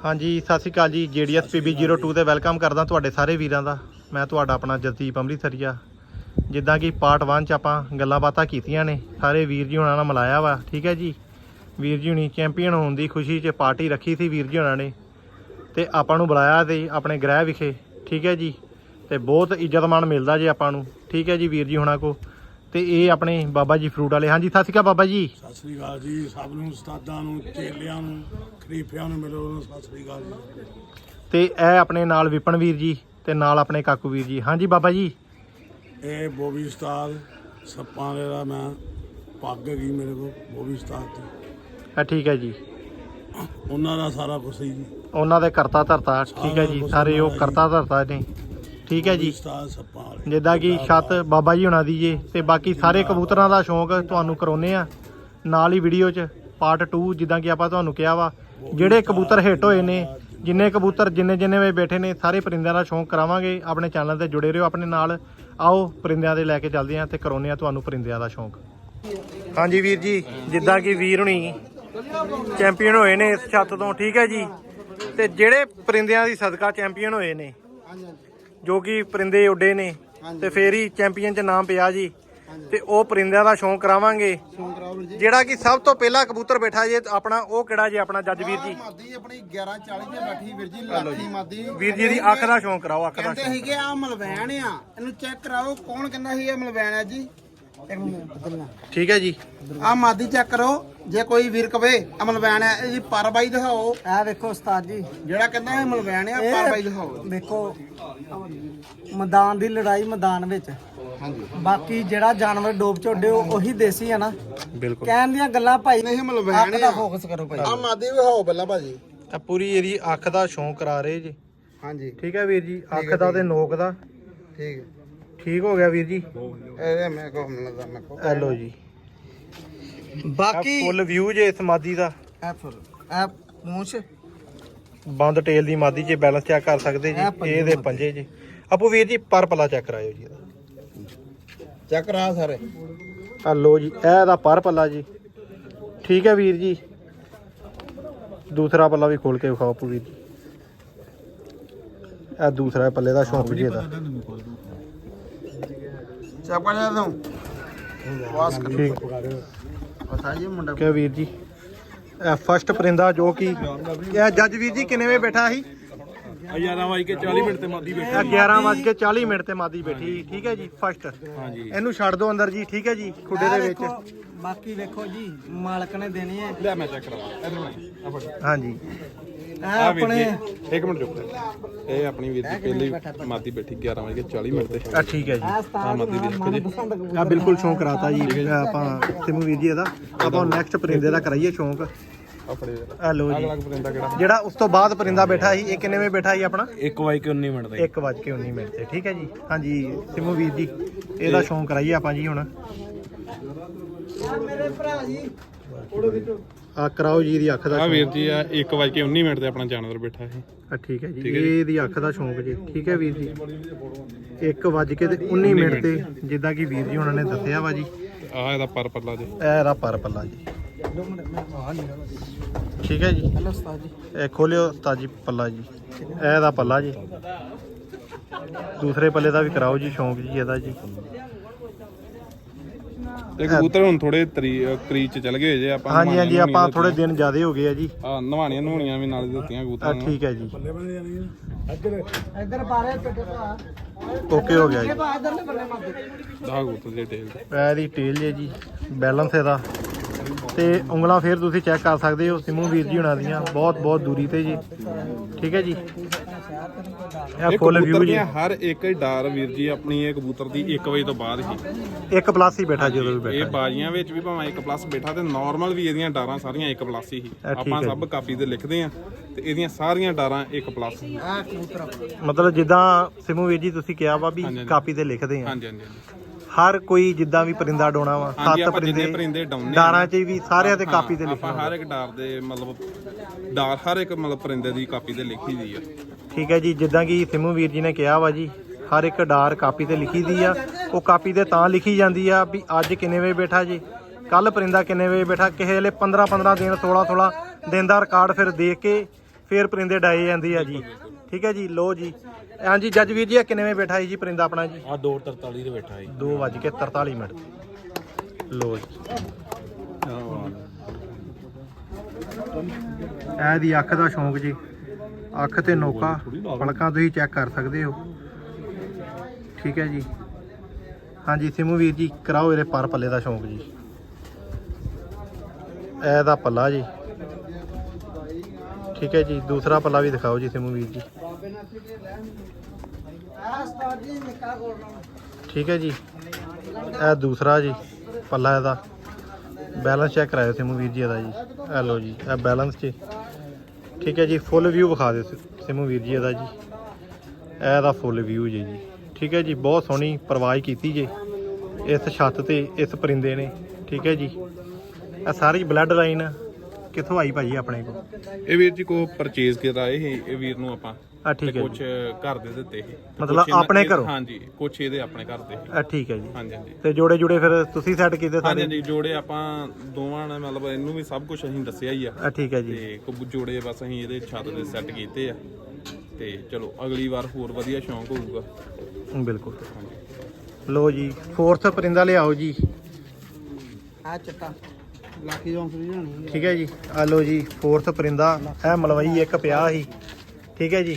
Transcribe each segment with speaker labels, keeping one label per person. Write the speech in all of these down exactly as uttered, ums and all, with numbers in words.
Speaker 1: हाँ जी सत श्री अकाल जी J D S P B zero two से वेलकम करदा तुहाडे सारे वीरां दा। मैं तुहाडा अपना जसदीप अमृतसरिया। जिद्दां कि पार्ट वन च आपां गल्लां बातां कीतियां ने, सारे वीर जी हुणां नाल मिलाया वा। ठीक है जी, वीर जी हुणी चैंपीयन होने की खुशी च पार्टी रखी थी वीर जी हुणां ने, ते आपां नूं बुलाया ते अपने गृह विखे। ठीक है जी, ते बहुत इज्जत मान मिलदा जी आपां नूं। ठीक है जी, वीर जी हुणां को ਤੇ ਇਹ ਆਪਣੇ ਬਾਬਾ ਜੀ ਫਰੂਟ ਵਾਲੇ। ਹਾਂਜੀ ਸਤਿ ਸ਼੍ਰੀ ਅਕਾਲ ਬਾਬਾ ਜੀ।
Speaker 2: ਸਤਿ ਸ਼੍ਰੀ ਅਕਾਲ ਜੀ ਸਭ ਨੂੰ, ਉਸਤਾਦਾਂ ਨੂੰ, ਚੇਲਿਆਂ ਨੂੰ, ਖਲੀਫਿਆਂ ਨੂੰ ਮਿਲੋ, ਸਤਿ ਸ਼੍ਰੀ ਅਕਾਲ ਜੀ।
Speaker 1: ਤੇ ਇਹ ਆਪਣੇ ਨਾਲ ਵਿਪਨ ਵੀਰ ਜੀ ਤੇ ਨਾਲ ਆਪਣੇ ਕਾਕੂ ਵੀਰ ਜੀ। ਹਾਂਜੀ ਬਾਬਾ ਜੀ।
Speaker 2: ਇਹ ਬੋਬੀ ਉਸਤਾਦ ਸੱਪਾਂ ਦੇ ਦਾ ਮੈਂ ਪੱਗ ਹੈਗੀ ਮੇਰੇ ਕੋਲ ਬੋਬੀ ਉਸਤਾਦ ਦੀ।
Speaker 1: ਹਾਂ ਠੀਕ ਹੈ ਜੀ,
Speaker 2: ਉਹਨਾਂ ਦਾ ਸਾਰਾ ਕੁਛ ਹੀ ਜੀ,
Speaker 1: ਉਹਨਾਂ ਦੇ ਕਰਤਾ ਧਰਤਾ। ਠੀਕ ਹੈ ਜੀ, ਸਾਰੇ ਉਹ ਕਰਤਾ ਧਰਤਾ ਨੇ। ठीक है जी, जिद्दां कि छत बाबा जी होना दी जे, ते बाकी सारे कबूतरां दा शौक तुहानूं कराउने आ नाल ही वीडियो च पार्ट टू। जिद्दां कि आपां तुहानूं कहा वा जिहड़े कबूतर हिट होए ने, जिन्ने कबूतर जिन्ने जिन्ने वे बैठे ने, सारे परिंदिਆਂ दा शौक करावांगे। अपने चैनल ते जुड़े रहो अपने नाल। आओ परिंदिਆਂ दे लैके चलदे आ ते कराउने आ तुहानूं परिंदिਆਂ दा शौक। हाँ जी वीर जी, जिद्दां कि वीर हुणी चैंपीयन होए ने इस छत तो। ठीक है जी, ते जिहड़े परिंदिਆਂ दी सदका चैंपीयन होए ने, जो कि परिंदे उड्डे ने, ते फिर ही चैंपीयन च नाम पिया जी। ते ओ परिंदिਆਂ ਦਾ शौक करावांगे। ਜਿਹੜਾ कि सब तो पहला कबूतर बैठा जे अपना ਉਹ ਕਿਹੜਾ ਜੇ ਆਪਣਾ ਜੱਜ ਵੀਰ ਜੀ?
Speaker 3: ਮਾਦੀ ਆਪਣੀ ਗਿਆਰਾਂ ਚਾਲੀ ਤੇ ਬੈਠੀ ਵੀਰ ਜੀ, ਲਾਠੀ ਮਾਦੀ।
Speaker 1: ਵੀਰ ਜੀ ਦੀ ਅੱਖ ਦਾ ਸ਼ੌਕ ਕਰਾਓ, ਅੱਖ ਦਾ
Speaker 3: ਕਹਿੰਦੇ ਸੀਗੇ ਆ ਮਲਵੈਣ ਆ, ਇਹਨੂੰ ਚੈੱਕ ਕਰਾਓ। ਕੌਣ ਕਹਿੰਦਾ ਸੀ ਇਹ ਮਲਵੈਣ ਹੈ ਜੀ?
Speaker 1: ਠੀਕ ਹੈ ਜੀ,
Speaker 3: ਆ ਮਾਦੀ ਚੈੱਕ ਕਰੋ। ਜੇ ਕੋਈ ਵੀਰ ਕਵੇ ਆ ਮਲਵੈਣ ਹੈ, ਇਹਦੀ ਪਰ ਬਾਈ ਦਿਖਾਓ।
Speaker 4: ਇਹ ਵੇਖੋ ਉਸਤਾਦ ਜੀ,
Speaker 3: ਜਿਹੜਾ ਕਹਿੰਦਾ ਇਹ ਮਲਵੈਣ ਆ, ਪਰ ਬਾਈ ਦਿਖਾਓ।
Speaker 4: ਵੇਖੋ ਮੈਦਾਨ ਦੀ ਲੜਾਈ ਮੈਦਾਨ ਵਿੱਚ।
Speaker 3: ਹਾਂਜੀ,
Speaker 4: ਬਾਕੀ ਜਿਹੜਾ ਜਾਨਵਰ ਡੋਬ ਝੋਡੇ ਉਹੀ ਦੇਸੀ ਆ ਨਾ।
Speaker 1: ਬਿਲਕੁਲ
Speaker 4: ਕਹਿਣ ਦੀਆਂ ਗੱਲਾਂ ਭਾਈ
Speaker 3: ਨਹੀਂ ਮਲਵੈਣ
Speaker 4: ਦਾ
Speaker 3: ਆ।
Speaker 4: ਫੋਕਸ ਕਰੋ ਭਾਈ।
Speaker 3: ਆ ਮਾਦੀ ਵਿਖਾਓ ਪਹਿਲਾਂ ਭਾਜੀ।
Speaker 1: ਤਾਂ ਪੂਰੀ ਇਹਦੀ ਅੱਖ ਦਾ ਸ਼ੌਕ ਕਰਾ ਰਹੇ ਜੀ।
Speaker 3: ਹਾਂਜੀ
Speaker 1: ਠੀਕ ਹੈ ਵੀਰ ਜੀ, ਅੱਖ ਦਾ ਤੇ ਨੋਕ ਦਾ
Speaker 3: ਠੀਕ ਹੈ,
Speaker 1: ਠੀਕ ਹੋ ਗਿਆ ਵੀਰ ਜੀ।
Speaker 3: ਇਹਦੇ ਮੈਂ ਕੋ ਮਿਲਦਾ ਮੈਂ ਕੋ
Speaker 1: ਐ ਲੋ ਜੀ,
Speaker 4: ਬਾਕੀ
Speaker 1: ਫੁੱਲ ਵਿਊ ਜੇ ਇਸ ਮਾਦੀ ਦਾ।
Speaker 4: ਇਹ ਫੁੱਲ ਇਹ ਪੂੰਛ
Speaker 1: ਬੰਦ ਟੇਲ ਦੀ ਮਾਦੀ ਜੇ ਬੈਲੈਂਸ ਚੈੱਕ ਕਰ ਸਕਦੇ ਜੀ। ਇਹਦੇ ਪੰਜੇ ਜੀ ਆਪੂ ਵੀਰ ਜੀ ਪਰ ਪੱਲਾ ਚੈੱਕ ਕਰਾਇਓ ਜੀ ਇਹਦਾ।
Speaker 3: ਚੈੱਕ ਕਰਾ ਸਾਰੇ।
Speaker 1: ਆ ਲੋ ਜੀ, ਇਹ ਦਾ ਪਰ ਪੱਲਾ ਜੀ। ਠੀਕ ਹੈ ਵੀਰ ਜੀ, ਦੂਸਰਾ ਪੱਲਾ ਵੀ ਖੋਲ ਕੇ ਵਿਖਾਓ ਆਪੂ ਵੀਰ ਜੀ। ਇਹ ਦੂਸਰਾ ਪੱਲੇ ਦਾ ਸ਼ੌਂਕ ਜੀ ਇਹਦਾ।
Speaker 3: ਚੈੱਕ ਕਰ ਜਾ ਤੂੰ ਵਾਸ ਕਰ।
Speaker 1: ਠੀਕ
Speaker 3: ਪਤਾ ਜੀ ਮੁੰਡਾ
Speaker 1: ਕਿ ਵੀਰ ਜੀ ਇਹ ਫਸਟ ਪਰਿੰਦਾ ਜੋ ਕਿ ਇਹ ਜੱਜ ਵੀਰ ਜੀ ਕਿੰਨੇ ਵੇ ਬੈਠਾ ਸੀ?
Speaker 2: ਗਿਆਰਾਂ ਵਜੇ ਕੇ ਚਾਲੀ ਮਿੰਟ ਤੇ ਮਾਦੀ ਬੈਠੀ।
Speaker 1: ਇਹ ਗਿਆਰਾਂ ਵੱਜ ਕੇ ਚਾਲੀ ਮਿੰਟ ਤੇ ਮਾਦੀ ਬੈਠੀ। ਠੀਕ ਹੈ ਜੀ, ਫਸਟ।
Speaker 2: ਹਾਂਜੀ,
Speaker 1: ਇਹਨੂੰ ਛੱਡ ਦਿਓ ਅੰਦਰ ਜੀ। ਠੀਕ ਹੈ ਜੀ, ਖੁੱਡੇ ਦੇ ਵਿੱਚ।
Speaker 4: ਵੇਖੋ, ਬਾਕੀ ਵੇਖੋ ਜੀ ਮਾਲਕ ਨੇ ਦੇਣੀ ਹੈ।
Speaker 2: ਲੈ ਮੈਂ ਚੈੱਕ ਕਰਾਵਾਂ ਇਧਰ।
Speaker 1: ਹਾਂਜੀ,
Speaker 4: ਇਹ ਆਪਣੇ
Speaker 2: ਇੱਕ ਮਿੰਟ ਰੁਕ, ਇਹ ਆਪਣੀ ਵੀਰ ਦੀ ਪਹਿਲੀ ਮਾਦੀ ਬੈਠੀ ਗਿਆਰਾਂ ਵਜੇ ਕੇ ਚਾਲੀ ਮਿੰਟ ਤੇ।
Speaker 1: ਆ ਠੀਕ ਹੈ ਜੀ।
Speaker 4: ਇਹ ਉਸਤਾਦ ਦਾ ਮਨਪਸੰਦ ਕਬੂਤਰ
Speaker 1: ਆ ਬਿਲਕੁਲ ਸ਼ੌਂਕ ਕਰਾਤਾ ਜੀ ਆਪਾਂ ਸਿਮੂ ਵੀਰ ਜੀ ਇਹਦਾ। ਆਪਾਂ ਨੈਕਸਟ ਪਰਿੰਦੇ ਦਾ ਕਰਾਈਏ ਸ਼ੌਂਕ।
Speaker 2: ਆਪਣੇ
Speaker 1: ਆ ਲੋ ਜੀ,
Speaker 2: ਅਗਲਾ ਪਰਿੰਦਾ ਕਿਹੜਾ?
Speaker 1: ਜਿਹੜਾ ਉਸ ਤੋਂ ਬਾਅਦ ਪਰਿੰਦਾ ਬੈਠਾ ਸੀ, ਇਹ ਕਿੰਨੇ ਵੇ ਬੈਠਾ ਸੀ ਆਪਣਾ?
Speaker 2: ਇੱਕ ਵਜੇ ਕੇ ਉੱਨੀ ਮਿੰਟ ਤੇ।
Speaker 1: ਇੱਕ ਵੱਜ ਕੇ ਉੱਨੀ ਮਿੰਟ ਤੇ। ਠੀਕ ਹੈ ਜੀ। ਹਾਂਜੀ ਸਿਮੂ ਵੀਰ ਜੀ, ਇਹਦਾ ਸ਼ੌਂਕ ਕਰਾਈਏ ਆਪਾਂ ਜੀ ਹੁਣ।
Speaker 4: ਮੇਰੇ ਭਰਾ ਜੀ
Speaker 1: ਆ ਕਰਾਓ ਜੀ ਇਹਦੀ ਅੱਖ ਦਾ
Speaker 2: ਆ
Speaker 1: ਸ਼ੌਂਕ।
Speaker 2: ਵੀਰ ਜੀ ਆ ਇੱਕ ਵਜੇ ਕੇ ਉੱਨੀ ਮਿੰਟ ਤੇ ਆਪਣਾ ਜਾਨਵਰ ਬੈਠਾ ਸੀ।
Speaker 1: ਆ ਠੀਕ ਹੈ ਜੀ, ਇਹਦੀ ਅੱਖ ਦਾ ਸ਼ੌਂਕ ਜੀ। ਠੀਕ ਹੈ ਵੀਰ ਜੀ, ਇੱਕ ਵੱਜ ਕੇ ਤੇ ਉੱਨੀ ਮਿੰਟ ਤੇ, ਜਿੱਦਾਂ ਕਿ ਵੀਰ ਜੀ ਉਹਨਾਂ ਨੇ ਦੱਸਿਆ ਵਾ ਜੀ।
Speaker 2: ਆ ਇਹਦਾ ਪਰ ਪੱਲਾ ਜੀ।
Speaker 1: ਇਹ ਇਹਦਾ ਪਰ ਪੱਲਾ ਜੀ। ਠੀਕ ਹੈ ਜੀ,
Speaker 4: ਹੈਲੋ ਉਸਤਾਦ ਜੀ।
Speaker 1: ਇਹ ਖੋਲਿਓ ਉਸਤਾਦ ਜੀ ਪੱਲਾ ਜੀ। ਇਹ ਇਹਦਾ ਪੱਲਾ ਜੀ। ਦੂਸਰੇ ਪੱਲੇ ਦਾ ਵੀ ਕਰਾਓ ਜੀ ਸ਼ੌਂਕ ਜੀ ਇਹਦਾ ਜੀ।
Speaker 2: ਤੇ ਕਬੂਤਰ ਹੁਣ ਥੋੜੇ ਕਰੀਜ਼ ਚ ਚਲ ਗਏ ਜੇ ਆਪਾਂ।
Speaker 1: ਹਾਂਜੀ ਹਾਂਜੀ, ਆਪਾਂ ਥੋੜੇ ਦਿਨ ਜ਼ਿਆਦੇ ਹੋ ਗਏ ਆ ਜੀ।
Speaker 2: ਆ ਨਵਾਣੀਆਂ ਨਵਾਣੀਆਂ ਵੀ ਨਾਲ ਦਿੱਤੀਆਂ
Speaker 1: ਆ
Speaker 2: ਕਬੂਤਰਾਂ ਨੂੰ।
Speaker 1: ਠੀਕ ਹੈ ਜੀ,
Speaker 4: ਇੱਧਰ ਬਾਰੇ ਟੱਡੇ ਭਰਾ
Speaker 1: ਓਕੇ ਹੋ ਗਿਆ ਜੀ।
Speaker 4: ਇਧਰਲੇ ਬੰਨੇ ਮਾਰ
Speaker 2: ਦਾ ਕਬੂਤਰ ਦੇ ਟੇਲ ਤੇ।
Speaker 1: ਇਹਦੀ ਟੇਲ ਜੇ ਜੀ, ਬੈਲੈਂਸ ਇਹਦਾ। ਤੇ ਉਂਗਲਾਂ ਫੇਰ ਤੁਸੀਂ ਚੈੱਕ ਕਰ ਸਕਦੇ ਹੋ ਸਿਮੂ ਵੀਰ ਜੀ ਹੁਣਾਂ ਦੀਆਂ, ਬਹੁਤ ਬਹੁਤ ਦੂਰੀ ਤੇ ਜੀ। ਠੀਕ ਹੈ ਜੀ, ਇਹ ਫੁੱਲ ਵਿਊ ਜੀ।
Speaker 2: ਹਰ ਇੱਕ ਡਾਰ ਵੀਰ ਜੀ ਆਪਣੀ ਇਹ ਕਬੂਤਰ ਦੀ ਇੱਕ ਵਜੇ ਤੋਂ ਬਾਅਦ ਹੀ
Speaker 1: ਇੱਕ ਪਲੱਸ ਹੀ ਬੈਠਾ ਜਦੋਂ ਵੀ
Speaker 2: ਇਹ
Speaker 1: ਬੈਠਾ।
Speaker 2: ਬਾਜੀਆਂ ਵਿੱਚ ਵੀ ਭਾਵੇਂ ਇੱਕ ਪਲੱਸ ਬੈਠਾ, ਤੇ ਨਾਰਮਲ ਵੀ ਇਹਦੀਆਂ ਡਾਰਾਂ ਸਾਰੀਆਂ ਇੱਕ ਪਲੱਸ ਹੀ। ਆਪਾਂ ਸਭ ਕਾਪੀ ਤੇ ਲਿਖਦੇ ਆ, ਤੇ ਇਹਦੀਆਂ ਸਾਰੀਆਂ ਡਾਰਾਂ ਇੱਕ ਪਲੱਸ।
Speaker 4: ਆ ਕਬੂਤਰ
Speaker 1: ਮਤਲਬ ਜਿੱਦਾਂ ਸਿਮੂ ਵੀਰ ਜੀ ਤੁਸੀਂ ਕਿਹਾ ਵਾ ਵੀ ਕਾਪੀ ਤੇ ਲਿਖਦੇ ਆ।
Speaker 2: ਹਾਂਜੀ ਹਾਂਜੀ ਹਾਂਜੀ।
Speaker 1: ਹਰ ਕੋਈ ਜਿੱਦਾਂ ਵੀ ਪਰਿੰਦਾ ਡਾਉਣਾ ਵਾ, ਸੱਤ
Speaker 2: ਪਰਿੰਦੇ
Speaker 1: ਪਰਿੰਦੇ
Speaker 2: ਡਾਉਣੇ
Speaker 1: ਡਾਰਾਂ 'ਚ ਵੀ ਸਾਰਿਆਂ ਤੇ ਕਾਪੀ ਤੇ
Speaker 2: ਆਪਾਂ
Speaker 1: ਲਿਖਣਾ।
Speaker 2: ਹਰ ਇੱਕ ਡਾਰ ਦੇ ਮਤਲਬ ਡਾਰ ਹਰ ਇੱਕ ਮਤਲਬ ਪਰਿੰਦੇ ਦੀ ਕਾਪੀ ਤੇ ਲਿਖੀ ਦੀ ਆ।
Speaker 1: ਠੀਕ ਹੈ ਜੀ, ਜਿੱਦਾਂ ਕਿ ਸਿਮੂ ਵੀਰ ਜੀ ਨੇ ਕਿਹਾ ਵਾ ਜੀ, ਹਰ ਇੱਕ ਡਾਰ ਕਾਪੀ ਤੇ ਲਿਖੀ ਦੀ ਆ। ਉਹ ਕਾਪੀ ਤੇ ਤਾਂ ਲਿਖੀ ਜਾਂਦੀ ਆ ਵੀ ਅੱਜ ਕਿੰਨੇ ਵਜੇ ਬੈਠਾ ਜੀ, ਕੱਲ ਪਰਿੰਦਾ ਕਿੰਨੇ ਵਜੇ ਬੈਠਾ। ਕਿਸੇ ਵੇਲੇ ਪੰਦਰਾਂ ਪੰਦਰਾਂ ਦਿਨ, ਸੋਲਾਂ ਸੋਲਾਂ ਦਿਨ ਦਾ ਰਿਕਾਰਡ ਫਿਰ ਦੇਖ ਕੇ ਫੇਰ ਪਰਿੰਦੇ ਡਾਏ ਜਾਂਦੀ ਆ ਜੀ। ਠੀਕ ਹੈ ਜੀ। ਲੋ ਜੀ ਹਾਂਜੀ ਜੱਜ ਵੀਰ ਜੀ, ਕਿੰਨੇ ਵੇ ਬੈਠਾ ਜੀ ਪਰਿੰਦਾ ਆਪਣਾ ਜੀ?
Speaker 5: ਆ ਦੋ ਤਰਤਾਲੀ ਦੇ ਬੈਠਾ ਜੀ।
Speaker 1: ਦੋ ਵੱਜ ਕੇ ਤਰਤਾਲੀ ਮਿੰਟ। ਲੋ ਜੀ ਇਹ ਦੀ ਅੱਖ ਦਾ ਸ਼ੌਂਕ ਜੀ, ਅੱਖ ਤੇ ਨੋਕਾ ਪਲਕਾਂ ਤੁਸੀਂ ਚੈੱਕ ਕਰ ਸਕਦੇ ਹੋ। ਠੀਕ ਹੈ ਜੀ। ਹਾਂਜੀ ਸਿਮੂ ਵੀਰ ਜੀ ਕਰਾਓ ਇਹਦੇ ਪਰ ਪੱਲੇ ਦਾ ਸ਼ੌਂਕ ਜੀ। ਇਹਦਾ ਪੱਲਾ ਜੀ। ਠੀਕ ਹੈ ਜੀ। ਦੂਸਰਾ ਪੱਲਾ ਵੀ ਦਿਖਾਓ ਜੀ ਸਿਮੂ ਵੀਰ ਜੀ। ਠੀਕ ਹੈ ਜੀ। ਇਹ ਦੂਸਰਾ ਜੀ ਪੱਲਾ ਇਹਦਾ। ਬੈਲੈਂਸ ਚੈੱਕ ਕਰਾਇਓ ਸਿਮੂ ਵੀਰ ਜੀ ਇਹਦਾ ਜੀ। ਇਹ ਲਓ ਜੀ ਇਹ ਬੈਲੈਂਸ 'ਚ। ਠੀਕ ਹੈ ਜੀ। ਫੁੱਲ ਵਿਊ ਵਿਖਾ ਦਿਓ ਸਿਮੂ ਵੀਰ ਜੀ ਇਹਦਾ ਜੀ। ਇਹਦਾ ਫੁੱਲ ਵਿਊ ਜੀ ਜੀ। ਠੀਕ ਹੈ ਜੀ। ਬਹੁਤ ਸੋਹਣੀ ਪਰਵਾਜ਼ ਕੀਤੀ ਜੇ ਇਸ ਛੱਤ ਤੇ ਇਸ ਪਰਿੰਦੇ ਨੇ। ਠੀਕ ਹੈ ਜੀ। ਇਹ ਸਾਰੀ ਬਲੱਡ ਲਾਈਨ ਕਿੱਥੋਂ ਆਈ ਭਾਜੀ ਆਪਣੇ ਕੋਲ?
Speaker 2: ਇਹ ਵੀਰ ਜੀ ਕੋ ਪਰਚੇਜ਼ ਕਰਾਏ ਸੀ ਇਹ ਵੀਰ ਨੂੰ ਆਪਾਂ।
Speaker 1: ਆ ਠੀਕ ਹੈ
Speaker 2: ਕੁਝ
Speaker 1: ਜੀ।
Speaker 2: ਘਰ ਦੇ ਦਿੱਤੇ ਸੀ
Speaker 1: ਮਤਲਬ
Speaker 2: ਕੁਛ ਇਹਨਾਂ-
Speaker 1: ਆਪਣੇ ਘਰੋਂ?
Speaker 2: ਹਾਂਜੀ ਕੁਝ ਇਹਦੇ ਆਪਣੇ ਘਰ ਦੇ ਸੀ।
Speaker 1: ਆ ਠੀਕ ਹੈ ਜੀ।
Speaker 2: ਹਾਂਜੀ ਹਾਂਜੀ
Speaker 1: ਤੇ ਜੋੜੇ ਜੁੜੇ ਫਿਰ ਤੁਸੀਂ ਸੈੱਟ ਕੀਤੇ
Speaker 2: ਹਾਂਜੀ
Speaker 1: ਸਾਰੇ?
Speaker 2: ਹਾਂਜੀ ਜੋੜੇ ਆਪਾਂ ਦੋਵਾਂ ਨੇ ਮਤਲਬ ਇਹਨੂੰ ਵੀ ਸਭ ਕੁਝ ਅਸੀਂ ਦੱਸਿਆ ਹੀ ਆ।
Speaker 1: ਆ ਠੀਕ ਹੈ ਜੀ।
Speaker 2: ਤੇ ਕੁਝ ਜੋੜੇ ਬਸ ਅਸੀਂ ਇਹਦੇ ਛੱਤ ਦੇ ਸੈੱਟ ਕੀਤੇ ਆ ਤੇ ਚਲੋ ਅਗਲੀ ਵਾਰ ਹੋਰ ਵਧੀਆ ਸ਼ੌਂਕ ਹੋਊਗਾ।
Speaker 1: ਬਿਲਕੁਲ। ਲੋ ਜੀ ਫੋਰਥ ਪਰਿੰਦਾ ਲਿਆਓ ਜੀ।
Speaker 4: ਆ ਚਿੱਟਾ ਲਾਕੀ ਜੌਂਸਰੀ ਹੋਣੀ।
Speaker 1: ਠੀਕ ਹੈ ਜੀ। ਆ ਲੋ ਜੀ ਫੋਰਥ ਪਰਿੰਦਾ। ਇਹ ਮਲਵਈ ਇੱਕ ਪਿਆ ਸੀ। ਠੀਕ ਹੈ ਜੀ।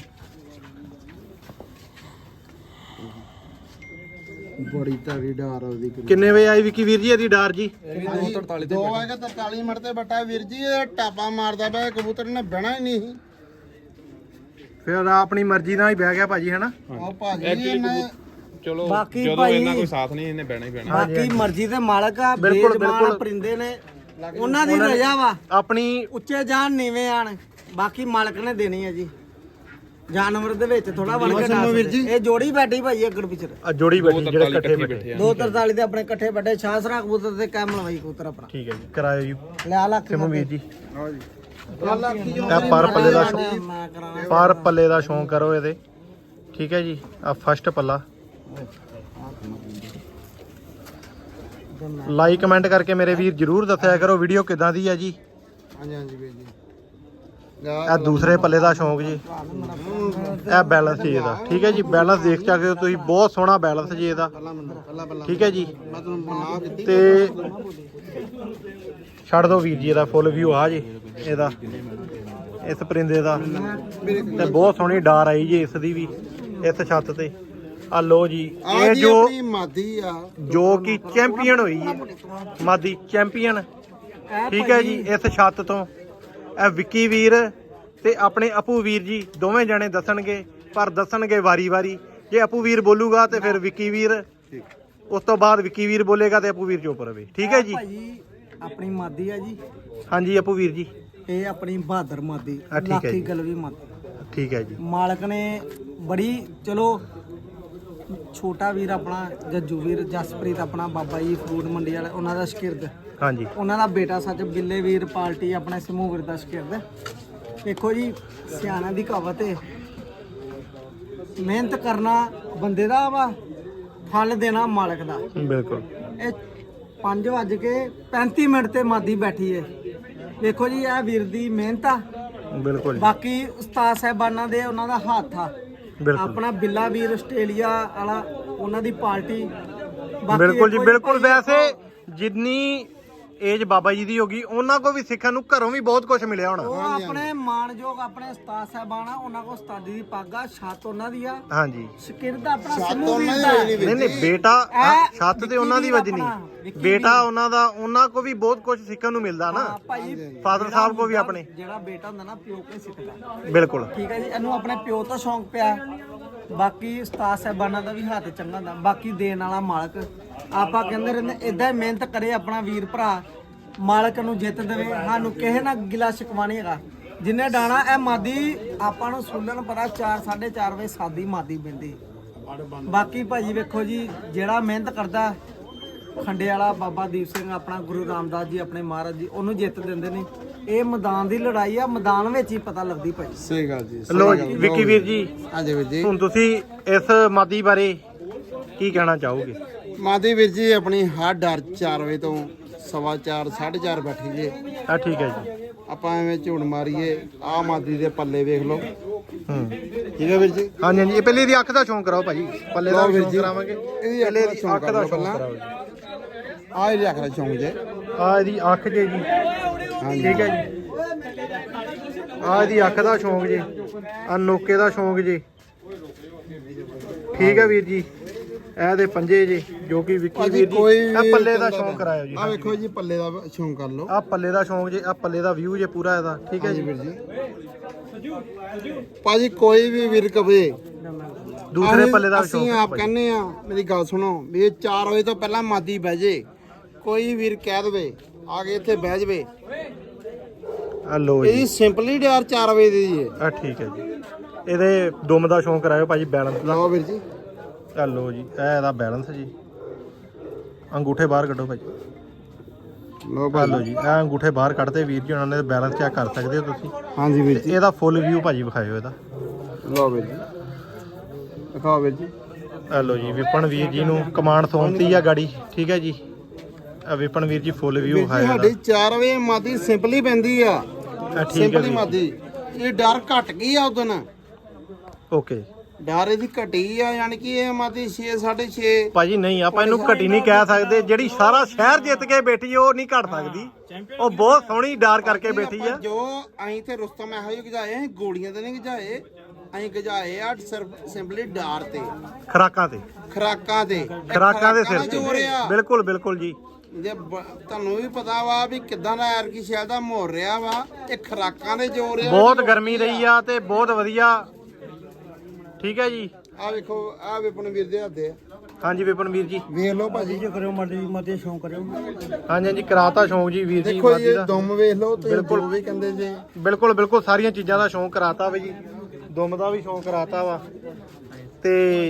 Speaker 4: ਬੜੀ ਤਗੜੀ ਡਾਰ ਉਹਦੀ।
Speaker 1: ਕਿੰਨੇ ਵਜੇ ਆਈ ਵਿੱਕੀ ਵੀਰ ਜੀ ਇਹਦੀ ਡਾਰ ਜੀ?
Speaker 3: ਦੋ ਵਜੇ ਤਰਤਾਲੀ ਮਿੰਟ ਤੇ ਬੱਟਾ ਵੀਰ ਜੀ ਇਹ ਟਾਪਾ ਮਾਰਦਾ ਪਿਆ ਕਬੂਤਰ ਨੇ ਬਹਿਣਾ ਹੀ ਨਹੀਂ ਸੀ।
Speaker 1: ਫਿਰ ਆਪਣੀ ਮਰਜ਼ੀ ਨਾਲ ਹੀ ਬਹਿ ਗਿਆ ਭਾਜੀ ਹਨਾ?
Speaker 3: ਉਹ ਭਾਜੀ
Speaker 2: Actually
Speaker 3: ਇਹਨੇ
Speaker 2: ਚਲੋ
Speaker 4: ਬਾਕੀ
Speaker 2: ਜਦੋਂ
Speaker 4: ਭਾਈ-
Speaker 2: ਇਹਨਾਂ ਕੋਈ ਸਾਥ ਨਹੀਂ ਇਹਨੇ ਬਹਿਣਾ ਹੀ ਬਹਿਣਾ।
Speaker 4: ਬਾਕੀ ਮਰਜ਼ੀ ਦੇ ਮਾਲਕ ਆ।
Speaker 1: ਬਿਲਕੁਲ,
Speaker 4: ਬੇਜ਼ਬਾਨ
Speaker 1: ਬਿਲਕੁਲ।
Speaker 4: ਪਰਿੰਦੇ ਨੇ ਉਹਨਾਂ ਦੀ ਰਜਾ ਵਾ।
Speaker 1: ਆਪਣੀ
Speaker 4: ਉੱਚੇ ਜਾਣ ਨੀਵੇਂ ਆਣ ਬਾਕੀ ਮਾਲਕ ਨੇ ਦੇਣੀ ਹੈ ਜੀ। ਜਾਨਵਰ ਦੇ ਵਿੱਚ ਥੋੜਾ ਵੜ ਕੇ ਨਾ ਵੀਰ ਜੀ। ਇਹ ਜੋੜੀ ਬੈਠੀ ਭਾਈ ਅੱਗੜ ਪਿਛੜ।
Speaker 1: ਆ ਜੋੜੀ ਬੈਠੀ ਜਿਹੜੇ ਇਕੱਠੇ ਬੈਠੇ।
Speaker 4: ਦੋ ਤਰਤਾਲੀ ਦੇ ਆਪਣੇ ਇਕੱਠੇ ਵੱਡੇ ਸ਼ਾਸਰਾ ਕਬੂਤਰ ਤੇ ਕੈਮਲ ਵਾਈ ਕਬੂਤਰ ਆਪਣਾ।
Speaker 1: ਠੀਕ ਹੈ ਜੀ। ਕਰਾਇਓ ਜੀ
Speaker 4: ਲੈ ਲੱਖ
Speaker 1: ਸਿਮੂ ਵੀਰ ਜੀ।
Speaker 3: ਲਾਕੀ ਜੋ
Speaker 1: ਇਹ ਪਰ ਪੱਲੇ ਦਾ ਸ਼ੌਂਕ,
Speaker 4: ਮੈਂ ਕਰਾਂ
Speaker 1: ਪਰ ਪੱਲੇ ਦਾ ਸ਼ੌਂਕ ਕਰੋ ਇਹਦੇ। ਠੀਕ ਹੈ ਜੀ। ਆ ਫਸਟ ਪੱਲਾ। ਲਾਈਕ ਕਮੈਂਟ ਕਰਕੇ ਮੇਰੇ ਵੀਰ ਜਰੂਰ ਦੱਸਿਆ ਕਰੋ ਵੀਡੀਓ ਕਿਦਾਂ ਦੀ ਹੈ ਜੀ।
Speaker 3: ਹਾਂਜੀ ਹਾਂਜੀ ਵੀਰ ਜੀ।
Speaker 1: ਇਹ ਦੂਸਰੇ ਪੱਲੇ ਦਾ ਸ਼ੌਂਕ ਜੀ। ਇਹ ਬੈਲੈਂਸ ਜੀ ਇਹਦਾ। ਠੀਕ ਹੈ ਜੀ। ਬੈਲੈਂਸ ਦੇਖ ਸਕਦੇ ਹੋ ਤੁਸੀਂ, ਬਹੁਤ ਸੋਹਣਾ ਬੈਲੈਂਸ ਜੀ ਇਹਦਾ। ਠੀਕ ਹੈ ਜੀ।
Speaker 3: ਮੈਂ ਤੁਹਾਨੂੰ ਮਨਾ ਕੀਤੀ
Speaker 1: ਤੇ ਛੱਡ ਦੋ ਵੀਰ ਜੀ ਇਹਦਾ ਫੁੱਲ ਵਿਊ ਆ ਜੀ ਇਹਦਾ ਇਸ ਪਰਿੰਦੇ ਦਾ। ਤੇ ਬਹੁਤ ਸੋਹਣੀ ਡਾਰ ਆਈ ਜੀ ਇਸ ਦੀ ਵੀ ਇਸ ਛੱਤ ਤੇ। ਆ ਲੋ ਜੀ
Speaker 3: ਆ
Speaker 1: ਇਹ
Speaker 3: ਜੀ
Speaker 1: ਜੋ
Speaker 3: ਆਪਣੀ ਮਾਦੀ ਆ।
Speaker 1: ਜੋ ਕਿ ਚੈਂਪੀਅਨ ਹੋਈ ਹੈ ਮਾਦੀ ਚੈਂਪੀਅਨ। ਠੀਕ ਹੈ ਜੀ। ਇਸ ਛੱਤ ਤੋਂ ਇਹ ਵਿੱਕੀ ਵੀਰ ਤੇ ਆਪਣੇ ਅਪੂ ਵੀਰ ਜੀ ਦੋਵੇਂ ਜਣੇ ਦੱਸਣਗੇ, ਪਰ ਦੱਸਣਗੇ ਵਾਰੀ-ਵਾਰੀ। ਜੇ ਅਪੂ ਵੀਰ ਬੋਲੂਗਾ ਤੇ ਫਿਰ ਵਿੱਕੀ ਵੀਰ, ਉਸ ਤੋਂ ਬਾਅਦ ਵਿੱਕੀ ਵੀਰ ਬੋਲੇਗਾ ਤੇ ਅਪੂ ਵੀਰ ਚੁੱਪ ਰਵੇ। ਠੀਕ ਹੈ ਜੀ।
Speaker 4: ਭਾਜੀ ਆਪਣੀ ਮਾਦੀ ਆ ਜੀ।
Speaker 1: ਹਾਂਜੀ ਅਪੂ ਵੀਰ ਜੀ।
Speaker 4: ਇਹ ਆਪਣੀ ਬਹਾਦਰ ਮਾਦੀ
Speaker 1: ਆ ਠੀਕ ਹੈ
Speaker 4: ਲਾਕੀ
Speaker 1: ਜੀ।
Speaker 4: ਗਲਵੀ ਮਾਦੀ।
Speaker 1: ਠੀਕ ਹੈ ਜੀ।
Speaker 4: ਮਾਲਕ ਨੇ ਬੜੀ ਚਲੋ ਛੋਟਾ ਵੀਰ ਆਪਣਾ ਜੱਜੂ ਵੀਰ ਜਸਪ੍ਰੀਤ ਆਪਣਾ ਬਾਬਾ ਜੀ ਫਰੂਟ ਮੰਡੀ ਵਾਲੇ ਉਹਨਾਂ ਦਾ ਸ਼ਕਿਰਦ,
Speaker 1: ਹਾਂਜੀ
Speaker 4: ਉਹਨਾਂ ਦਾ ਬੇਟਾ ਸੱਚ ਗਿੱਲੇ ਵੀਰ ਪਾਰਟੀ ਆਪਣੇ ਸਮੂਹ ਵੀਰ ਦਾ ਸ਼ਕਿਰਦ। ਦੇਖੋ ਜੀ ਸਿਆਣਾ ਦੀ ਕਹਾਵਤ ਹੈ, ਮਿਹਨਤ ਕਰਨਾ ਬੰਦੇ ਦਾ ਵਾ, ਫਲ ਦੇਣਾ ਮਾਲਕ ਦਾ।
Speaker 1: ਬਿਲਕੁਲ।
Speaker 4: ਇਹ ਪੰਜ ਵੱਜ ਕੇ ਪੈਂਤੀ ਮਿੰਟ ਤੇ ਮਾਦੀ ਬੈਠੀ ਹੈ। ਦੇਖੋ ਜੀ ਇਹ ਵੀਰ ਦੀ ਮਿਹਨਤ ਆ।
Speaker 1: ਬਿਲਕੁਲ ਜੀ।
Speaker 4: ਬਾਕੀ ਉਸਤਾਦ ਸਾਹਿਬਾਨਾਂ ਦੇ ਉਹਨਾਂ ਦਾ ਹੱਥ ਆ।
Speaker 1: ਬਿਲਕੁਲ
Speaker 4: ਆਪਣਾ ਬਿੱਲਾ ਵੀਰ ਆਸਟ੍ਰੇਲੀਆ ਵਾਲਾ ਉਹਨਾਂ ਦੀ ਪਾਰਟੀ। ਬਾਕੀ
Speaker 1: ਬਿਲਕੁਲ ਜੀ।
Speaker 4: ਦੇਖੋ
Speaker 1: ਬਿਲਕੁਲ।
Speaker 4: ਭਾਈ
Speaker 1: ਵੈਸੇ ਜਿੰਨੀ ਏਜ ਬਾਬਾ ਜੀ ਦੀ ਹੋਗੀ ਉਹਨਾਂ ਕੋ ਵੀ ਸਿੱਖਣ ਨੂੰ ਘਰੋਂ ਵੀ ਬਹੁਤ ਕੁਝ ਮਿਲਿਆ ਹੋਣਾ।
Speaker 4: ਉਹ ਆਪਣੇ ਮਾਣਯੋਗ ਆਪਣੇ ਉਸਤਾਦ ਸਾਹਿਬਾਨ ਆ, ਉਹਨਾਂ ਕੋ ਉਸਤਾਦੀ ਦੀ ਪੱਗ ਆ, ਛੱਤ ਉਹਨਾਂ ਦੀ ਆ,
Speaker 1: ਹਾਂਜੀ।
Speaker 4: ਸ਼ਕਿਰਦ ਆਪਣਾ
Speaker 3: ਛੱਤ
Speaker 4: ਸਮੂਹ ਵੀਰ
Speaker 3: ਉਹਨਾਂ
Speaker 4: ਦਾ।
Speaker 3: ਦੀ
Speaker 1: ਨਹੀਂ ਨਹੀਂ ਬੇਟਾ
Speaker 4: ਇਹ
Speaker 1: ਛੱਤ ਤੇ ਉਹਨਾਂ ਦੀ
Speaker 4: ਵਿੱਕੀ
Speaker 1: ਵੱਜਣੀ,
Speaker 4: ਵੀਰ ਆਪਣਾ, ਵਿੱਕੀ
Speaker 1: ਬੇਟਾ ਉਹਨਾਂ ਦਾ, ਉਹਨਾਂ ਕੋ ਵੀ ਬਹੁਤ ਕੁਝ ਸਿੱਖਣ ਨੂੰ ਮਿਲਦਾ ਨਾ।
Speaker 4: ਹਾਂ ਭਾਈ
Speaker 1: ਫਾਦਰ ਸਾਹਿਬ ਕੋ ਵੀ ਆਪਣੇ।
Speaker 4: ਜਿਹੜਾ ਬੇਟਾ ਹੁੰਦਾ ਨਾ ਪਿਓ ਕੇ ਸਿੱਖਦਾ।
Speaker 1: ਬਿਲਕੁਲ।
Speaker 4: ਠੀਕ ਹੈ ਜੀ। ਇਹਨੂੰ ਆਪਣੇ ਪਿਓ ਤੋਂ ਸ਼ੌਂਕ ਪਿਆ। ਬਾਕੀ ਉਸਤਾਦ ਸਾਹਿਬਾਨਾਂ ਦਾ ਵੀ ਹੱਥ ਚੰਗਾ ਹੁੰਦਾ। ਬਾਕੀ ਦੇਣ ਵਾਲਾ ਮਾਲਕ। ਆਪਾਂ ਕਹਿੰਦੇ ਰਹਿੰਦੇ ਇਦਾਂ ਹੀ ਮਿਹਨਤ ਕਰੇ ਆਪਣਾ ਵੀਰ ਭਰਾ, ਮਾਲਕ ਨੂੰ ਜਿੱਤ ਦੇਵੇ। ਸਾਨੂੰ ਕਿਸੇ ਨਾਲ ਗਿਲਾ ਸ਼ਿਕਵਾ ਨਹੀਂ ਹੈਗਾ। ਜਿੰਨੇ ਡਾਣਾ ਇਹ ਮਾਦੀ ਆਪਾਂ ਨੂੰ ਸੁਣਨ ਪਤਾ ਚਾਰ ਸਾਢੇ ਚਾਰ ਵਜੇ ਸਾਦੀ ਮਾਦੀ ਪੈਂਦੀ। ਬਾਕੀ ਭਾਜੀ ਵੇਖੋ ਜੀ ਜਿਹੜਾ ਮਿਹਨਤ ਕਰਦਾ ਖੰਡੇ ਵਾਲਾ ਬਾਬਾ ਦੀਪ ਸਿੰਘ ਆਪਣਾ ਗੁਰੂ ਰਾਮਦਾਸ ਜੀ ਆਪਣੇ ਮਹਾਰਾਜ ਜੀ ਉਹਨੂੰ ਜਿੱਤ ਦਿੰਦੇ ਨੇ। ਇਹ ਮੈਦਾਨ ਦੀ ਲੜਾਈ ਆ, ਮੈਦਾਨ ਵਿੱਚ ਹੀ ਪਤਾ ਲੱਗਦੀ ਭਾਈ।
Speaker 3: ਸਹੀ ਗੱਲ ਜੀ।
Speaker 1: ਲੋ ਜੀ ਵਿੱਕੀ ਵੀਰ ਜੀ,
Speaker 3: ਹਾਂਜੀ ਵੀਰ ਜੀ।
Speaker 1: ਹੁਣ ਤੁਸੀਂ ਇਸ ਮਾਦੀ ਬਾਰੇ ਕੀ ਕਹਿਣਾ ਚਾਹੋਗੇ?
Speaker 3: ਮਾਦੀ ਵੀਰ ਜੀ ਆਪਣੀ ਹਰ ਡਰ ਚਾਰ ਵਜੇ ਤੋਂ ਸਵਾ ਚਾਰ ਸਾਢੇ ਚਾਰ ਬੈਠੀ ਜੇ।
Speaker 1: ਆ ਠੀਕ ਹੈ ਜੀ।
Speaker 3: ਆਪਾਂ ਐਵੇਂ ਝੂੜ ਮਾਰੀਏ। ਆ ਮਾਦੀ ਦੇ ਪੱਲੇ ਵੇਖ ਲਓ।
Speaker 1: ਹੂੰ
Speaker 3: ਠੀਕ ਹੈ ਵੀਰ ਜੀ।
Speaker 1: ਹਾਂਜੀ ਹਾਂਜੀ ਇਹ ਪਹਿਲੇ ਇਹਦੀ ਅੱਖ ਦਾ ਸ਼ੌਂਕ ਕਰਾਓ ਭਾਜੀ, ਪੱਲੇ ਦਾ
Speaker 3: ਲਓ
Speaker 1: ਵੀ
Speaker 3: ਵੀਰ
Speaker 1: ਸ਼ੌਂਕ
Speaker 3: ਜੀ।
Speaker 1: ਕਰਾਵਾਂਗੇ।
Speaker 3: ਇਹਦੀ
Speaker 1: ਪਹਿਲੇ
Speaker 3: ਅੱਖ ਦਾ
Speaker 1: ਇਹਦੀ
Speaker 3: ਸ਼ੌਂਕ
Speaker 1: ਅੱਖ ਦਾ
Speaker 3: ਕਰਾਓ
Speaker 1: ਸ਼ੌਂਕ
Speaker 3: ਪਹਿਲਾਂ।
Speaker 1: ਕਰਾਓ ਜੀ।
Speaker 3: ਆ ਇਹਦੀ ਅੱਖ ਦਾ ਸ਼ੌਂਕ ਜੇ।
Speaker 1: ਆ ਇਹਦੀ ਅੱਖ ਜੇ ਜੀ,
Speaker 3: ਹਾਂਜੀ
Speaker 1: ਠੀਕ ਹੈ ਜੀ। ਆ ਇਹਦੀ ਅੱਖ ਦਾ ਸ਼ੌਂਕ ਜੇ, ਆ ਨੋਕੇ ਦਾ ਸ਼ੌਂਕ ਜੇ, ਠੀਕ ਹੈ ਵੀਰ ਜੀ। ਇਹ ਦੇ ਪੰਜੇ ਜੇ ਜੋ ਕਿ ਵਿੱਕੀ
Speaker 3: ਭਾਜੀ
Speaker 1: ਵੀਰ ਜੀ
Speaker 3: ਕੋਈ
Speaker 1: ਇਹ
Speaker 3: ਵੀ
Speaker 1: ਪੱਲੇ ਦਾ
Speaker 3: ਕਹਿੰਦਾ
Speaker 1: ਸ਼ੌਂਕ ਕਰਾਇਓ ਜੀ।
Speaker 3: ਆ ਵੇਖੋ ਜੀ ਪੱਲੇ ਦਾ ਸ਼ੌਂਕ ਕਰ ਲਓ।
Speaker 1: ਆ ਪੱਲੇ ਦਾ ਸ਼ੌਂਕ ਜੇ, ਆ ਪੱਲੇ ਦਾ ਵਿਊ ਜੇ ਪੂਰਾ ਇਹਦਾ, ਠੀਕ ਹੈ
Speaker 3: ਹਾਂਜੀ
Speaker 1: ਜੀ।
Speaker 3: ਵੀਰ ਜੀ। ਭਾਜੀ ਕੋਈ ਵੀ ਵੀਰ ਕਵੇ
Speaker 1: ਦੂਸਰੇ
Speaker 3: ਅਸੀਂ-
Speaker 1: ਪੱਲੇ ਦਾ
Speaker 3: ਅਸੀਂ
Speaker 1: ਸ਼ੌਂਕ
Speaker 3: ਆਪ ਕਹਿੰਨੇ ਆ, ਮੇਰੀ ਗੱਲ ਸੁਣੋ ਵੀ ਇਹ ਚਾਰ ਵਜੇ ਤੋਂ ਪਹਿਲਾਂ ਮਾਦੀ ਬਹਿ ਜੇ। ਕੋਈ ਵੀਰ ਕਹਿ ਦਵੇ ਆ ਕੇ ਇੱਥੇ ਬਹਿ ਜਵੇ।
Speaker 1: ਆ ਲੋ ਜੀ,
Speaker 3: ਇਹ ਸਿੰਪਲੀ ਡਿਆਰ ਚਾਰ ਵਜੇ ਦੀ ਹੈ।
Speaker 1: ਆ ਠੀਕ ਹੈ ਜੀ। ਇਹਦੇ ਦੁਮ ਦਾ ਸ਼ੌਂਕ ਕਰਾਇਓ ਭਾਜੀ, ਬੈਲੈਂਸ ਦਾ।
Speaker 3: ਲਓ ਵੀਰ ਜੀ।
Speaker 1: ਆ ਲੋ ਜੀ, ਇਹ ਇਹਦਾ ਬੈਲੈਂਸ ਜੀ। ਅੰਗੂਠੇ ਬਾਹਰ ਕੱਢੋ ਭਾਜੀ।
Speaker 3: ਲਓ
Speaker 1: ਆ
Speaker 3: ਭਾਜੀ।
Speaker 1: ਲੋ ਜੀ, ਇਹ ਅੰਗੂਠੇ ਬਾਹਰ ਕੱਢਦੇ ਵੀਰ ਜੀ, ਉਹਨਾਂ ਨੇ ਬੈਲੈਂਸ ਚੈੱਕ ਕਰ ਸਕਦੇ ਹੋ ਤੁਸੀਂ।
Speaker 3: ਹਾਂਜੀ ਵੀਰ ਜੀ।
Speaker 1: ਇਹਦਾ ਫੁੱਲ ਵਿਊ ਭਾਜੀ ਵਿਖਾਇਓ ਇਹਦਾ।
Speaker 3: ਲਓ ਵੀਰ ਜੀ। ਦਿਖਾਓ ਵੀਰ ਜੀ।
Speaker 1: ਆ ਲੋ ਜੀ, ਵਿਪਨ ਵੀਰ ਜੀ ਨੂੰ ਕਮਾਂਡ ਸੌਂਪਤੀ ਆ ਗਾੜੀ, ਠੀਕ ਹੈ ਜੀ। ਆ ਵਿਪਨ ਵੀਰ ਜੀ ਫੁੱਲ ਵਿਊ
Speaker 3: ਵੀਰ ਜੀ
Speaker 1: ਵਿਖਾਇਓ
Speaker 3: ਸਾਡੀ
Speaker 1: ਇਹਦਾ।
Speaker 3: ਚਾਰ ਵਜੇ ਮਾਦੀ ਸਿੰਪਲੀ ਪੈਂਦੀ ਆ।
Speaker 1: ਆ ਠੀਕ ਹੈ
Speaker 3: ਸਿੰਪਲੀ
Speaker 1: ਵੀਰ
Speaker 3: ਮਾਦੀ। ਇਹ ਡਰ ਘਟ ਗਈ ਆ ਉਦੋਂ।
Speaker 1: ਓਕੇ
Speaker 3: ਡਰ ਇਹਦੀ ਘਟੀ ਆ, ਯਾਨੀ ਕਿ ਇਹ ਮਾਦੀ ਛੇ ਸਾਢੇ ਛੇ।
Speaker 1: ਭਾਜੀ ਨਹੀਂ, ਆਪਾਂ ਇਹਨੂੰ ਘਟੀ ਨਹੀਂ ਕਹਿ ਸਕਦੇ। ਜਿਹੜੀ ਸਾਰਾ ਸ਼ਹਿਰ ਜਿੱਤ ਕੇ ਬੈਠੀ ਉਹ ਨਹੀਂ ਘਟ ਸਕਦੀ। ਉਹ ਬਹੁਤ ਸੋਹਣੀ ਡਾਰ ਕਰਕੇ ਬੈਠੀ ਆ।
Speaker 3: ਜੋ ਅਸੀਂ ਤੇ ਰੁਸਤਮ ਇਹੋ ਜਿਹੇ ਗਜਾਏ, ਅਸੀਂ ਗੋਲੀਆਂ ਤੇ ਨਹੀਂ ਗਜਾਏ। ਅਸੀਂ ਗਜਾਏ ਆ ਸਿਰਫ ਸਿੰਪਲੀ ਡਾਰ ਤੇ,
Speaker 1: ਖਰਾਕਾਂ ਤੇ,
Speaker 3: ਖਰਾਕਾਂ ਤੇ। ਇਹ
Speaker 1: ਖਰਾਕਾਂ ਦੇ
Speaker 3: ਦਾ
Speaker 1: ਸਿਰ
Speaker 3: ਜ਼ੋਰ
Speaker 1: ਤੇ,
Speaker 3: ਆ।
Speaker 1: ਬਿਲਕੁਲ ਬਿਲਕੁਲ ਜੀ।
Speaker 3: ਜੇ ਬ- ਤੁਹਾਨੂੰ ਵੀ ਪਤਾ ਵਾ ਵੀ ਕਿਦਾਂ ਦਾ ਐਰਕੀ ਸ਼ਹਿਰ ਦਾ ਮਾਹੌਲ ਰਿਹਾ ਵਾ। ਇਹ ਖਰਾਕਾਂ ਦੇ ਜ਼ੋਰ ਆ।
Speaker 1: ਬਹੁਤ ਗਰਮੀ ਰਹੀ ਆ ਤੇ ਬਹੁਤ ਵਧੀਆ, ਠੀਕ ਹੈ ਜੀ।
Speaker 3: ਆ ਵੇਖੋ, ਆ ਵਿਪਨ ਵੀਰ ਦੇ ਹੱਥ ਆ।
Speaker 1: ਹਾਂਜੀ ਵਿਪਨ ਵੀਰ ਜੀ,
Speaker 3: ਵੇਖ ਲਓ ਭਾਜੀ।
Speaker 4: ਕਰਿਓ ਮਰਦੀ ਮਰਦੀ ਸ਼ੌਂਕ ਕਰਿਓ।
Speaker 1: ਹਾਂਜੀ ਹਾਂਜੀ ਕਰਾਤਾ ਸ਼ੌਂਕ ਜੀ ਵੀਰ ਜੀ
Speaker 3: ਦੇਖੋ ਜੀ
Speaker 1: ਮਾਦੀ
Speaker 3: ਇਹ
Speaker 1: ਦਾ।
Speaker 3: ਦੁਮ ਵੇਖ ਲਓ ਤੁਸੀਂ,
Speaker 1: ਬਿਲਕੁਲ।
Speaker 3: ਜੋ ਵੀ ਕਹਿੰਦੇ ਜੇ।
Speaker 1: ਬਿਲਕੁਲ ਬਿਲਕੁਲ ਸਾਰੀਆਂ ਚੀਜ਼ਾਂ ਦਾ ਸ਼ੌਂਕ ਕਰਾਤਾ ਵਾ ਜੀ। ਦੁਮ ਦਾ ਵੀ ਸ਼ੌਂਕ ਕਰਾਤਾ ਵਾ ਤੇ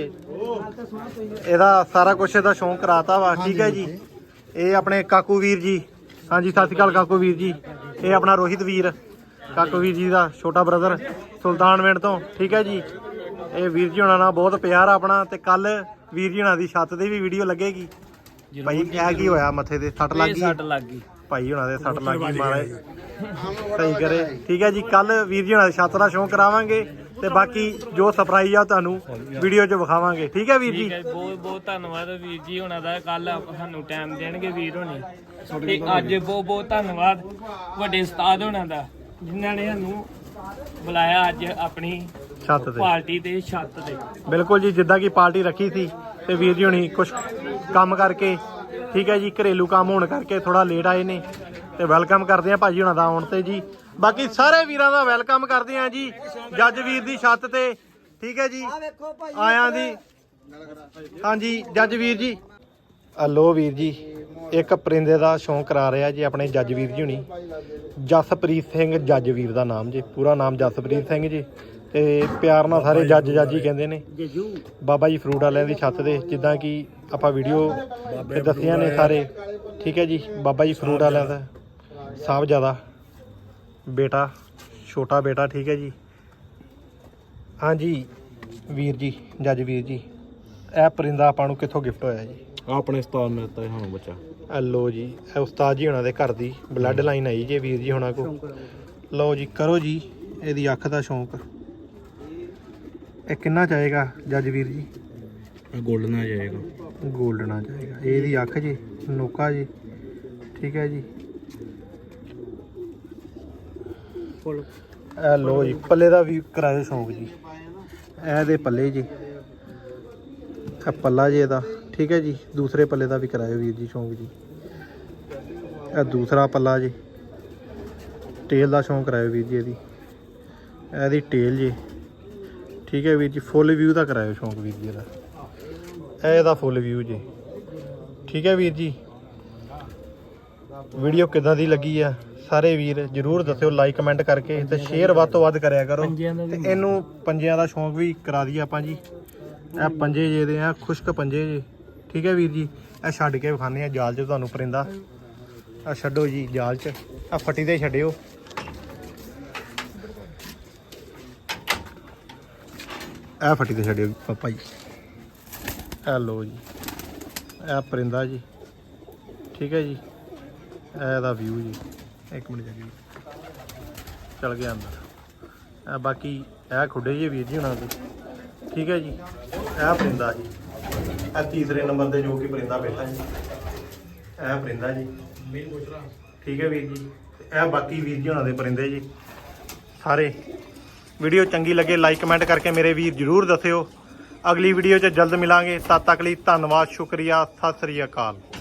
Speaker 1: ਇਹਦਾ ਸਾਰਾ ਕੁਝ ਇਹਦਾ ਸ਼ੌਂਕ ਕਰਾਤਾ ਵਾ, ਠੀਕ ਹੈ ਜੀ। ਇਹ ਆਪਣੇ ਕਾਕੂ ਵੀਰ ਜੀ, ਹਾਂਜੀ ਸਤਿ ਸ਼੍ਰੀ ਅਕਾਲ ਕਾਕੂ ਵੀਰ ਜੀ। ਇਹ ਆਪਣਾ ਰੋਹਿਤ ਵੀਰ, ਕਾਕੂ ਵੀਰ ਜੀ ਦਾ ਛੋਟਾ ਬ੍ਰਦਰ ਸੁਲਤਾਨਵਿੰਡ ਤੋਂ, ਠੀਕ ਹੈ ਜੀ। ਇਹ ਵੀਰ ਜੀ ਹੁਣਾਂ ਨਾਲ ਬਹੁਤ ਪਿਆਰ ਆਪਣਾ। ਤੇ ਕੱਲ ਵੀਰ ਜੀ ਹੁਣਾਂ ਦੀ ਛੱਤ ਤੇ ਵੀ ਵੀਡੀਓ ਲੱਗੇਗੀ। ਭਾਈ ਇਹ ਕੀ ਹੋਇਆ, ਮੱਥੇ ਤੇ ਸੱਟ ਲੱਗ ਗਈ?
Speaker 4: ਸੱਟ ਲੱਗ ਗਈ
Speaker 1: ਭਾਈ ਹੁਣਾਂ ਦੇ ਸੱਟ ਲੱਗ ਗਈ, ਮਹਾਰਾਜ ਸਹੀ ਕਰੇ, ਠੀਕ ਹੈ ਜੀ। ਕੱਲ ਵੀਰ ਜੀ ਹੁਣਾਂ ਦੀ ਛੱਤ ਦਾ ਸ਼ੌਂਕ ਕਰਾਵਾਂਗੇ ਤੇ ਬਾਕੀ ਜੋ ਸਰਪ੍ਰਾਈਜ਼ ਆ ਤੁਹਾਨੂੰ ਵੀਡੀਓ 'ਚ ਵਿਖਾਵਾਂਗੇ, ਠੀਕ ਹੈ ਵੀਰ ਜੀ।
Speaker 5: ਬਹੁਤ ਬਹੁਤ ਧੰਨਵਾਦ ਵੀਰ ਜੀ ਹੋਣਾ ਦਾ, ਕੱਲ ਸਾਨੂੰ ਟਾਈਮ ਦੇਣਗੇ ਵੀਰ ਹੋਣੀ। ਤੇ ਅੱਜ ਬਹੁਤ ਬਹੁਤ ਧੰਨਵਾਦ ਵੱਡੇ ਉਸਤਾਦ ਹੋਣਾ ਦਾ, ਜਿਨ੍ਹਾਂ ਨੇ ਸਾਨੂੰ ਬੁਲਾਇਆ ਅੱਜ ਆਪਣੀ
Speaker 1: ਛੱਤ ਤੇ
Speaker 5: ਪਾਰਟੀ ਤੇ ਛੱਤ ਤੇ।
Speaker 1: ਬਿਲਕੁਲ ਜੀ, ਜਿੱਦਾਂ ਕਿ ਪਾਰਟੀ ਰੱਖੀ ਸੀ ਤੇ ਵੀਰ ਜੀ ਹੁਣੀ ਕੁਝ ਕੰਮ ਕਰਕੇ, ਠੀਕ ਹੈ ਜੀ, ਘਰੇਲੂ ਕੰਮ ਹੋਣ ਕਰਕੇ ਥੋੜਾ ਲੇਟ ਆਏ ਨੇ। ਤੇ ਵੈਲਕਮ ਕਰਦੇ ਆ ਭਾਜੀ ਹੁਣਾਂ ਦਾ ਆਉਣ ਤੇ ਜੀ। ਬਾਕੀ ਸਾਰੇ ਵੀਰਾਂ ਦਾ ਵੈਲਕਮ ਕਰਦੇ ਆ ਜੀ ਜੱਜ ਵੀਰ ਦੀ ਛੱਤ ਤੇ, ਠੀਕ ਹੈ ਜੀ। ਆਇਆਂ ਦੀ, ਹਾਂਜੀ ਜੱਜ ਵੀਰ ਜੀ। ਹਲੋ ਵੀਰ ਜੀ, ਇੱਕ ਪਰਿੰਦੇ ਦਾ ਸ਼ੌਂਕ ਕਰਾ ਰਿਹਾ ਜੀ ਆਪਣੇ ਜੱਜ ਵੀਰ ਜੀ ਹੁਣੀ। ਜਸਪ੍ਰੀਤ ਸਿੰਘ ਜੱਜ ਵੀਰ ਦਾ ਨਾਮ ਜੀ, ਪੂਰਾ ਨਾਮ ਜਸਪ੍ਰੀਤ ਸਿੰਘ ਜੀ। ਤੇ ਪਿਆਰ ਨਾਲ ਸਾਰੇ ਜੱਜ ਜੱਜ ਹੀ ਕਹਿੰਦੇ ਨੇ। ਬਾਬਾ ਜੀ ਫਰੂਟ ਵਾਲਿਆਂ ਦੀ ਛੱਤ ਤੇ, ਜਿੱਦਾਂ ਕਿ ਆਪਾਂ ਵੀਡੀਓ ਤੇ ਦੱਸੀਆਂ ਨੇ ਸਾਰੇ, ਠੀਕ ਹੈ ਜੀ। ਬਾਬਾ ਜੀ ਫਰੂਟ ਵਾਲਿਆਂ ਦਾ ਸਾਹਿਬਜ਼ਾਦਾ ਬੇਟਾ, ਛੋਟਾ ਬੇਟਾ, ਠੀਕ ਹੈ ਜੀ। ਹਾਂਜੀ ਵੀਰ ਜੀ, ਜੱਜ ਵੀਰ ਜੀ, ਇਹ ਪਰਿੰਦਾ ਆਪਾਂ ਨੂੰ ਕਿੱਥੋਂ ਗਿਫਟ ਹੋਇਆ ਜੀ?
Speaker 6: ਆਪਣੇ ਉਸਤਾਦ ਨੇ ਦਿੱਤਾ ਸਾਨੂੰ ਬੱਚਾ।
Speaker 1: ਇਹ ਲਓ ਜੀ, ਇਹ ਉਸਤਾਦ ਜੀ ਹੁਣਾਂ ਦੇ ਘਰ ਦੀ ਬਲੱਡ ਲਾਈਨ ਆਈ ਜੇ ਵੀਰ ਜੀ ਹੁਣਾਂ ਕੋ। ਲਓ ਜੀ, ਕਰੋ ਜੀ ਇਹਦੀ ਅੱਖ ਦਾ ਸ਼ੌਂਕ। ਇਹ ਕਿੰਨਾ ਚਾਹੇਗਾ ਜੱਜ ਵੀਰ ਜੀ?
Speaker 6: ਇਹ ਗੋਲਡਨ ਆ ਜਾਏਗਾ।
Speaker 1: ਗੋਲਡਨ ਆ ਜਾਏਗਾ। ਇਹਦੀ ਅੱਖ ਜੀ, ਨੋਕਾ ਜੀ, ਠੀਕ ਹੈ ਜੀ। ਇਹ ਲਓ ਜੀ, ਪੱਲੇ ਦਾ ਵੀ ਕਰਾਇਓ ਸ਼ੌਂਕ ਜੀ। ਇਹਦੇ ਪੱਲੇ ਜੀ, ਇਹ ਪੱਲਾ ਜੀ ਇਹਦਾ, ਠੀਕ ਹੈ ਜੀ। ਦੂਸਰੇ ਪੱਲੇ ਦਾ ਵੀ ਕਰਾਇਓ ਵੀਰ ਜੀ ਸ਼ੌਂਕ ਜੀ। ਇਹ ਦੂਸਰਾ ਪੱਲਾ ਜੀ। ਟੇਲ ਦਾ ਸ਼ੌਂਕ ਕਰਾਇਓ ਵੀਰ ਜੀ ਇਹਦੀ। ਇਹਦੀ ਟੇਲ ਜੀ, ਠੀਕ ਹੈ ਵੀਰ ਜੀ। ਫੁੱਲ ਵਿਊ ਦਾ ਕਰਾਇਓ ਸ਼ੌਂਕ ਵੀਰ ਜੀ ਇਹਦਾ। ਇਹ ਇਹਦਾ ਫੁੱਲ ਵਿਊ ਜੀ, ਠੀਕ ਹੈ ਵੀਰ ਜੀ। ਵੀਡੀਓ ਕਿੱਦਾਂ ਦੀ ਲੱਗੀ ਆ ਸਾਰੇ ਵੀਰ ਜਰੂਰ ਦੱਸਿਓ ਲਾਈਕ ਕਮੈਂਟ ਕਰਕੇ, ਤੇ ਸ਼ੇਅਰ ਵੱਧ ਤੋਂ ਵੱਧ ਕਰਿਆ ਕਰੋ। ਤੇ ਇਹਨੂੰ ਪੰਜਿਆਂ ਦਾ ਸ਼ੌਂਕ ਵੀ ਕਰਾ ਦਈਏ ਆਪਾਂ ਜੀ। ਇਹ ਪੰਜੇ ਜੇ ਦੇ ਆ, ਖੁਸ਼ਕ ਪੰਜੇ ਜੇ, ਠੀਕ ਹੈ ਵੀਰ ਜੀ। ਇਹ ਛੱਡ ਕੇ ਵਿਖਾਉਂਦੇ ਆ ਜਾਲ 'ਚ ਤੁਹਾਨੂੰ ਪਰਿੰਦਾ। ਆ ਛੱਡੋ ਜੀ ਜਾਲ 'ਚ, ਆ ਫੱਟੀ ਤੇ ਛੱਡਿਓ। ਇਹ ਫੱਟੀ ਤੇ ਛੱਡਿਓ ਪਾਪਾ ਜੀ। ਇਹ ਲਓ ਜੀ, ਇਹ ਪਰਿੰਦਾ ਜੀ, ਠੀਕ ਹੈ ਜੀ। ਇਹ ਇਹਦਾ ਵਿਊ ਜੀ, ਇੱਕ ਮਿੰਟ ਜੀ। ਚਲ ਗਿਆ ਅੰਦਰ। ਇਹ ਬਾਕੀ ਇਹ ਖੁੱਡੇ ਜੀ ਵੀਰ ਜੀ ਉਹਨਾਂ ਦੇ, ਠੀਕ ਹੈ ਜੀ। ਇਹ ਪਰਿੰਦਾ ਜੀ, ਇਹ ਤੀਸਰੇ ਨੰਬਰ ਤੇ ਜੋ ਕਿ ਪਰਿੰਦਾ ਬੈਠਾ ਜੀ, ਇਹ ਪਰਿੰਦਾ ਜੀ, ਠੀਕ ਹੈ ਵੀਰ ਜੀ। ਇਹ ਬਾਕੀ ਵੀਰ ਜੀ ਉਹਨਾਂ ਦੇ ਪਰਿੰਦੇ ਜੀ ਸਾਰੇ। ਵੀਡੀਓ ਚੰਗੀ ਲੱਗੇ ਲਾਈਕ ਕਮੈਂਟ ਕਰਕੇ ਮੇਰੇ ਵੀਰ ਜਰੂਰ ਦੱਸਿਓ। ਅਗਲੀ ਵੀਡੀਓ 'ਚ ਜਲਦ ਮਿਲਾਂਗੇ, ਤਦ ਤੱਕ ਲਈ ਧੰਨਵਾਦ, ਸ਼ੁਕਰੀਆ, ਸਤਿ ਸ੍ਰੀ ਅਕਾਲ।